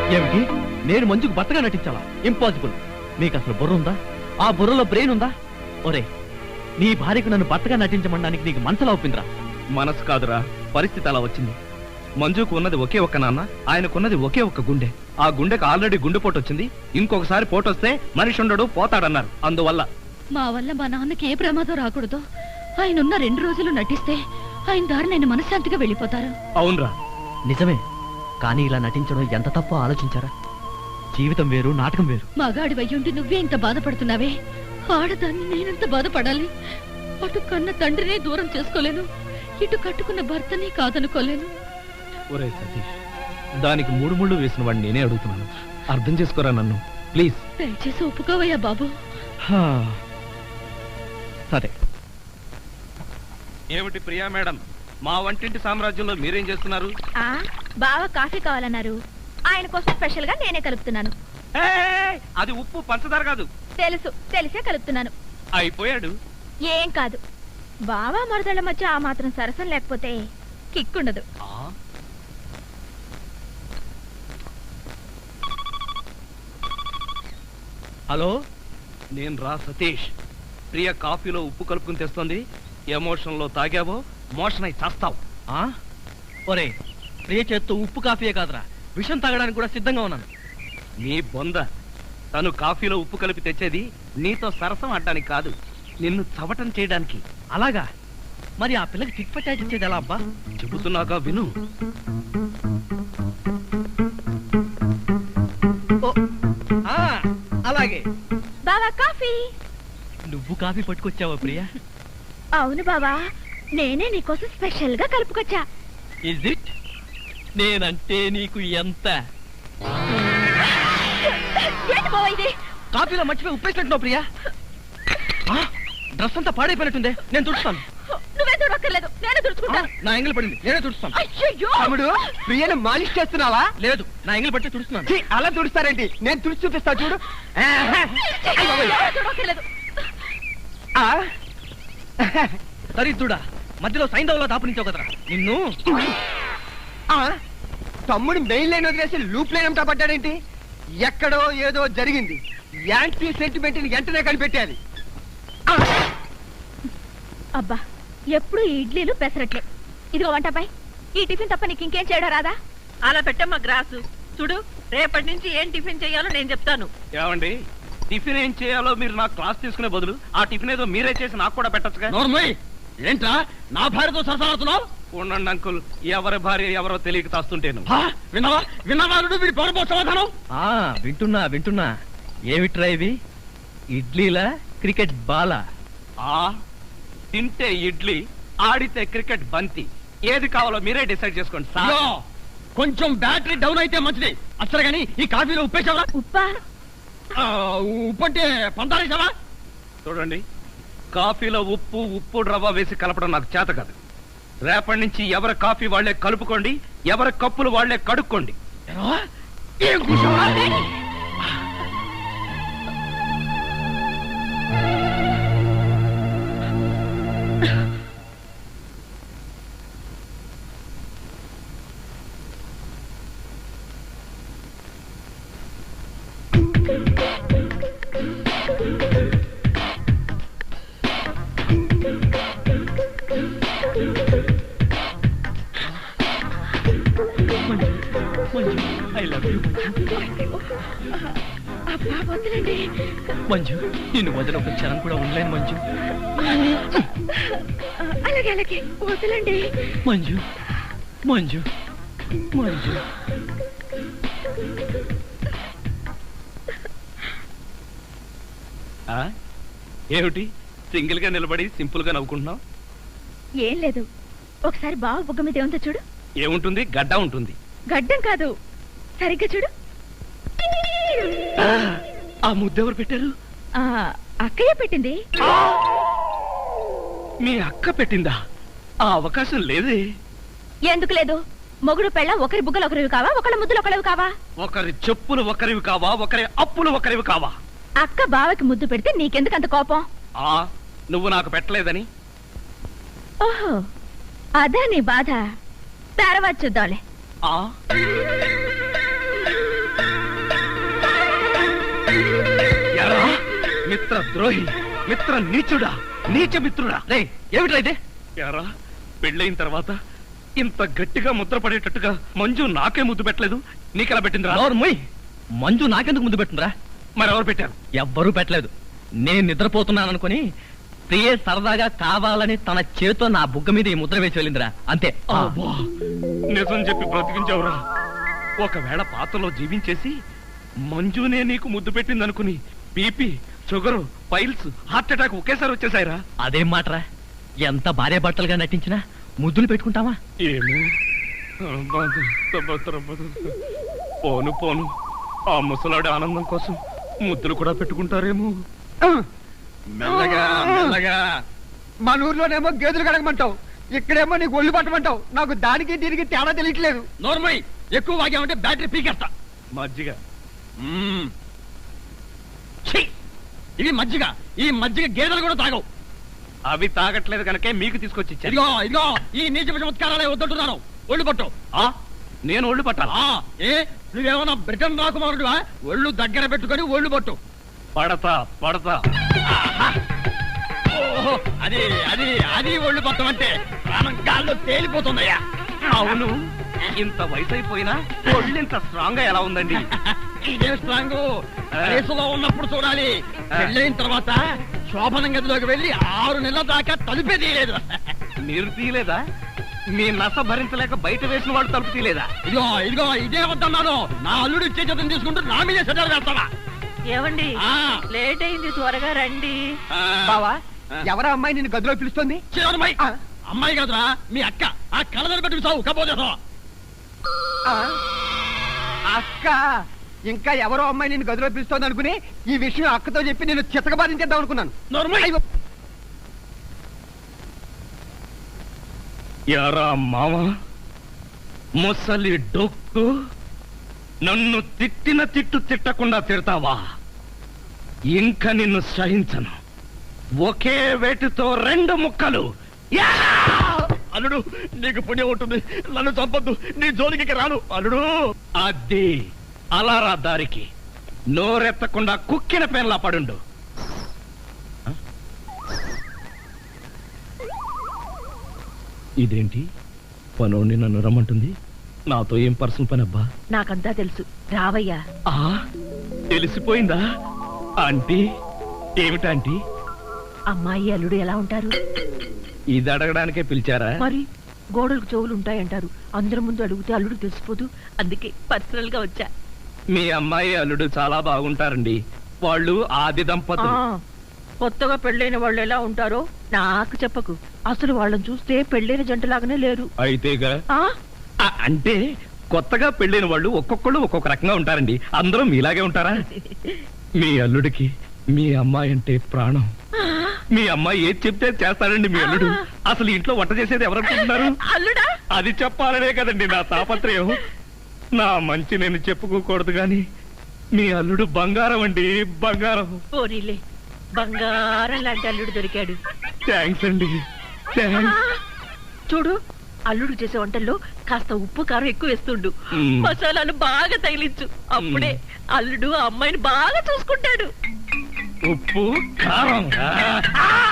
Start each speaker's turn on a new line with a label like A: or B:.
A: ఏమిటి? నేను మంజుకు భర్తగా నటించాలా? ఇంపాసిబుల్. మీకు అసలు బుర్ర ఉందా? ఆ బుర్రలో బ్రెయిన్ ఉందా? ఒరే, నీ భార్యకు నన్ను భర్తగా నటించమనడానికి నీకు మనసులా ఒప్పిందిరా? మనసు కాదురా, పరిస్థితి అలా వచ్చింది. మంజుకు ఉన్నది ఒకే ఒక్క నాన్న, ఆయనకున్నది ఒకే ఒక్క గుండె. ఆ గుండెకు ఆల్రెడీ గుండెపోటు వచ్చింది. ఇంకొకసారి పోటు వస్తే మనిషి ఉండడు, పోతాడన్నారు. అందువల్ల
B: మా వల్ల మా నాన్నకి ఏ ప్రమాదం రాకూడదు. ఆయన ఉన్న 2 రోజులు నటిస్తే ఆయన దారి నేను మనశ్శాంతిగా వెళ్ళిపోతారు.
A: అవునరా, నిజమే. కానీ ఇలా నటించడం ఎంత తప్పో ఆలోచించారా? జీవితం వేరు, నాటకం వేరు.
B: మగాడి వయ్యుండి నువ్వే ఇంత బాధపడుతున్నావే, ఆడదాన్ని నేనెంత బాధపడాలి? అటు కన్న తండ్రినే దూరం చేసుకోలేను, ఇటు కట్టుకున్న భర్తని కాదనుకోలేను.
A: ఒరే సతీష్, దానికి 3 ముళ్ళు వేసిన వాడిని నేనే అడుగుతున్నాను. అర్థం చేసుకోరా నన్ను, ప్లీజ్.
B: దయచేసి ఒప్పుకోవయ్యా బాబు.
A: సరే.
C: ఏమిటి ప్రియా మేడం, మా వంటింటి సామ్రాజ్యంలో మీరేం చేస్తున్నారు?
B: బాగా కాఫీ కావాలన్నారు, ఆయన కోసం స్పెషల్ గా నేనే కలుపుతున్నాను.
C: అది ఉప్పు పంచదార కాదు.
B: తెలుసు, తెలిసే కలుపుతున్నాను.
C: అయిపోయాడు.
B: ఏం కాదు, బావా మరదళ్ళ మధ్య ఆ మాత్రం సరసం లేకపోతే కిక్కుండదు.
A: హలో,
C: నేను రా సతీష్. ప్రియ కాఫీలో ఉప్పు కలుపుకుని తెస్తుంది. ఎమోషన్ లో తాగావో మోషన్ అయి చేస్తావు.
A: ఒరే, ప్రియ చేత్తో ఉప్పు కాఫీయే కాదురా, విషం తాగడానికి కూడా సిద్ధంగా ఉన్నాను.
C: నీ బొంద. తను కాఫీలో ఉప్పు కలిపి తెచ్చేది నీతో సరసం ఆడడానికి కాదు, నిన్ను చవటం చేయడానికి.
A: అలాగా? మరి ఆ పిల్లకి టిక్ పట్టాచి ఇచ్చేది ఎలా అబ్బా?
C: చెబుతున్నాగా విను.
A: అలాగే.
B: బావా కాఫీ.
A: నువ్వు కాఫీ పట్టుకొచ్చావా ప్రియా?
B: అవును బావా, నేనే నీకోసం స్పెషల్ గా కలుపుకొచ్చా.
A: Is it? నేనంటే నీకు ఎంత?
B: ఏంటి బావా ఇది?
A: కాఫీలో మర్చిపోయి ఉప్పేసినట్టున్నావు ప్రియా. డ్రెస్ అంతా పాడైపోయినట్టుందే, నేను తుడుస్తాను.
B: నువ్వే తుడక్కర్లేదు, నేనే తుడుచుకుంటాను.
A: నా ఎంగిల్ పడింది, నేనే తుడుస్తాను.
B: అయ్యయ్యో!
D: తమ్ముడు, ప్రియను మాలిష్ చేస్తున్నావా?
A: లేదు, నా ఎంగిల్ పట్టి తుడుస్తున్నాను.
D: అలా తుడుస్తారేంటి? నేను తుడిచి చూపిస్తా చూడు.
B: తుడక్కర్లేదు.
A: దరిద్రుడా, మధ్యలో సైంధవ్లో దాపునించావు కదరా నిన్ను.
D: తమ్ముడు మెయిన్ లైన్ వదిలేసి లూప్ లైన్ అంతా పడ్డాడేంటి? ఎక్కడో ఏదో జరిగింది. యాంటీ సెంటిమెంట్ ని వెంటనే కనిపెట్టాలి.
B: అబ్బా, ఎప్పుడు ఇడ్లీలు పెసరట్లే. ఇదిగో వంటపై ఈ టిఫిన్ తప్ప నీకు ఇంకేం చేయడం రాదా?
E: అలా పెట్టమ్మా గ్రాసు. చూడు, రేపటి నుంచి ఏం టిఫిన్ చేయాలో నేను చెప్తాను.
C: ఏమండి, టిఫిన్ ఏం చేయాలో మీరు నాకు క్లాస్ తీసుకునే బదులు ఆ టిఫిన్ ఏదో మీరే చేసి నాకు కూడా పెట్టచ్చుగా.
A: ఏంట్రా నా భార్యతో సరసాడుతున్నావు?
C: ఉండండి అంకుల్, ఎవరి భార్య ఎవరో తెలియక తాస్తుంటేను.
A: విన్నావా సమాధానం? వింటున్నా. ఏమిట్రా ఇవి? ఇడ్లీలా, క్రికెట్ బాలా?
C: తింటే ఇడ్లీ, ఆడితే క్రికెట్ బంతి. ఏది కావాలో మీరే డిసైడ్ చేసుకోండి సార్.
A: కొంచెం బ్యాటరీ డౌన్ అయితే మంచిది. అసలు గాని ఈ కాఫీలో ఉప్పేసావా?
B: ఉప్పా?
A: ఉప్పంటే పందాలేసావా?
C: చూడండి, కాఫీలో ఉప్పు రవ్వ వేసి కలపడం నాకు చేత కాదు. రేపటి నుంచి ఎవరి కాఫీ వాళ్లే కలుపుకోండి, ఎవరి కప్పులు వాళ్లే కడుక్కోండి.
A: మంజు, నిన్ను వదిలి ఒక క్షణం కూడా ఉండలేను మంజు.
B: అలాగే అలాగే, వదలండి
A: మంజు. మంజు మంజు
C: ఏమిటి సింగిల్ గా నిలబడి సింపుల్ గా నవ్వుకుంటున్నావు?
B: ఏం లేదు, ఒకసారి బావ బుగ్గ మీద ఏముందో చూడు.
C: ఏముంటుంది? గడ్డ ఉంటుంది.
B: గడ్డం కాదు, సరిగ్గా చూడు.
C: ఆ ముద్దెవరు పెట్టారు?
B: అక్కయ్య పెట్టింది.
C: మీ అక్క పెట్టిందా? ఆ అవకాశం లేదే.
B: ఎందుకు లేదు? మొగుడు పెళ్ళ ఒకరి బుగ్గలు ఒకరివి కావా, ఒకళ్ళ ముద్దులు ఒకరివి కావా?
C: ఒకరి చెప్పులు ఒకరివి కావా, ఒకరి అప్పులు ఒకరివి కావా?
B: అక్క బావకి ముద్దు పెడితే నీకెందుకు అంత కోపం?
C: నువ్వు నాకు పెట్టలేదని.
B: ఓహో, అదే నీ బాధ. తర్వాత చూద్దాంలే.
C: మిత్ర ద్రోహి, మిత్ర నీచుడా, నీచ మిత్రుడా.
A: రే ఏమిట్రా ఇదే?
C: యారా, పెళ్ళైన తర్వాత ఇంత గట్టిగా ముద్ర పడేటట్టుగా మంజు నాకే ముద్దు పెట్టలేదు, నీకెలా పెట్టిందిరా?
A: మొయ్, మంజు నాకెందుకు ముందు పెట్టుందిరా?
C: మరెవరు పెట్టారు?
A: ఎవ్వరూ పెట్టలేదు. నేను నిద్రపోతున్నాను అనుకుని ప్రియ సరదాగా కావాలని తన చేతితో నా బుగ్గ మీద ఈ ముద్ర వేసి వెళ్ళిందిరా, అంతే.
C: అబ్బా, నిజం చెప్పి బ్రతికించావురా. ఒకవేళ పాత్రలో జీవించేసి మంజునే నీకు ముద్దు పెట్టిందనుకుని BP, sugar, piles, heart attack ఒకేసారి వచ్చేసాయిరా.
A: అదేం మాటరా? ఎంత భార్య భర్తలుగా నటించినా ముద్దులు పెట్టుకుంటావా?
C: ఏమో, పోను పోను, ఆ ముసలాడి ఆనందం కోసం ముద్దులు కూడా పెట్టుకుంటారేమో.
D: మెల్లగా మెల్లగా. మన ఊర్లోనేమో గేదెలు కడగమంటావు, ఇక్కడేమో నీకు ఒళ్ళు పట్టమంటావు. నాకు దానికి దీనికి తేడా తెలియట్లేదు.
A: నోర్మై, ఎక్కువ వాగామంటే బ్యాటరీ పీకేస్తా.
C: మజ్జిగ.
A: ఇది మజ్జిగ. ఈ మజ్జిగ గేదెలు కూడా తాగవు.
C: అవి తాగట్లేదు కనుకే మీకు తీసుకొచ్చి ఇచ్చాను.
A: ఇదిగో ఇదిగో, ఈ నీచ చమత్కారాలే వద్దంటున్నాను. ఒళ్ళు పట్టు.
C: నేను ఒళ్ళు పట్టాలా?
A: ఏ నువ్వేమన్నా బ్రిటన్ రాకుమారుడువా? ఒళ్ళు దగ్గర పెట్టుకొని ఒళ్ళు పట్టు.
C: పడతా పడతా.
A: ఓహో, అది అది అది ఒళ్ళు పట్టం అంటే ప్రాణం గాల్లో తేలిపోతుందయ్యా.
C: అవును, ఇంత వయసు అయిపోయినా ఒళ్ళు ఇంత స్ట్రాంగ్ గా ఎలా ఉందండి?
A: ఇదే స్ట్రాంగ్. వయసులో ఉన్నప్పుడు చూడాలి, పెళ్ళైన తర్వాత శోభనం గదిలోకి వెళ్ళి 6 నెలల దాకా తలుపే తీయలేదు.
C: మీరు తీయలేదా? మీ నస భరించలేక బయట వేసిన వాడు తలుపు తీయలేదా?
A: ఇదిగో ఇదిగో, ఇదే వద్దన్నాను. నా అల్లుడు ఇచ్చే చేతం తీసుకుంటూ నా మీదే సెటర్ వేస్తావా?
E: ఏమండి,
A: ఆ.
E: లేట్ అయింది, త్వరగా రండి.
D: బావా, ఎవరా అమ్మాయి నిన్ను గదిలో పిలుస్తుంది?
A: చివరమ్మాయి. అమ్మాయి కాదురా, మీ అక్క. ఆ కళ్ళదని పెట్టుకు సావు కపోతే.
D: అక్క, ఇంకా ఎవరో అమ్మాయి నిన్ను గదిలో పిలుస్తోంది అనుకుని ఈ విషయం అక్కతో చెప్పి నేను చితకబాధించేద్దాం అనుకున్నాను.
A: నోర్మల్.
C: యారా మామ, ముసలి డొక్కు, నన్ను తిట్టిన తిట్టు తిట్టకుండా తిడతావా? ఇంకా నిన్ను సహించను. ఒకే వేటితో 2 ముక్కలు.
A: అల్లుడు, నీకు పుణ్యం ఉంటుంది. నన్ను చంపొద్దు, నీ జోలికి రాను అల్లుడు.
C: అది అలారా దారికి. నోరెత్తకుండా కుక్కిన పెన్లా పడుండు. ఇదేంటి, పనోడిని నన్ను రమ్మంటుంది? నాతో ఏం పర్సనల్ పని అబ్బా?
E: నాకంతా తెలుసు, రావయ్యా.
C: తెలిసిపోయిందా ఆంటీ? ఏమిటాంటీ?
E: అమ్మాయి అల్లుడు ఎలా ఉంటారు?
C: ఇది అడగడానికే పిలిచారా?
E: మరి గోడలకు చెవులు ఉంటాయంటారు. అందరి ముందు అడిగితే అల్లుడు తెలిసిపోదు, అందుకే పర్సనల్ గా వచ్చా.
C: మీ అమ్మాయి అల్లుడు చాలా బాగుంటారండి. వాళ్ళు ఆది దంపతులు.
E: కొత్తగా పెళ్ళైన వాళ్ళు ఎలా ఉంటారో నాకు చెప్పకు. అసలు వాళ్ళని చూస్తే పెళ్ళైన జంటలాగానే లేరు.
C: అయితేగా? అంటే కొత్తగా పెళ్ళైన వాళ్ళు ఒక్కొక్కళ్ళు ఒక్కొక్క రకంగా ఉంటారండి. అందరూ మీలాగే ఉంటారా? మీ అల్లుడికి మీ అమ్మాయి అంటే ప్రాణం. మీ అమ్మాయి ఏది చెప్తే చేస్తాడండి మీ అల్లుడు. అసలు ఇంట్లో వంట చేసేది ఎవరనుకుంటున్నారు?
E: అల్లుడా?
C: అది చెప్పాలనే కదండి నా తాపత్రయం. నా మంచి నేను చెప్పుకోకూడదు గాని మీ అల్లుడు బంగారం అండి, బంగారం.
E: పోనీలే, బంగారం లాంటి అల్లుడు దొరికాడు.
C: థ్యాంక్స్ అండి, థ్యాంక్స్.
E: చూడు, అల్లుడు చేసే వంటల్లో కాస్త ఉప్పు కారం ఎక్కువ వేస్తుండు. మసాలాలు బాగా తగిలించు. అప్పుడే అల్లుడు ఆ అమ్మాయిని బాగా చూసుకుంటాడు.
C: ఉప్పు కారం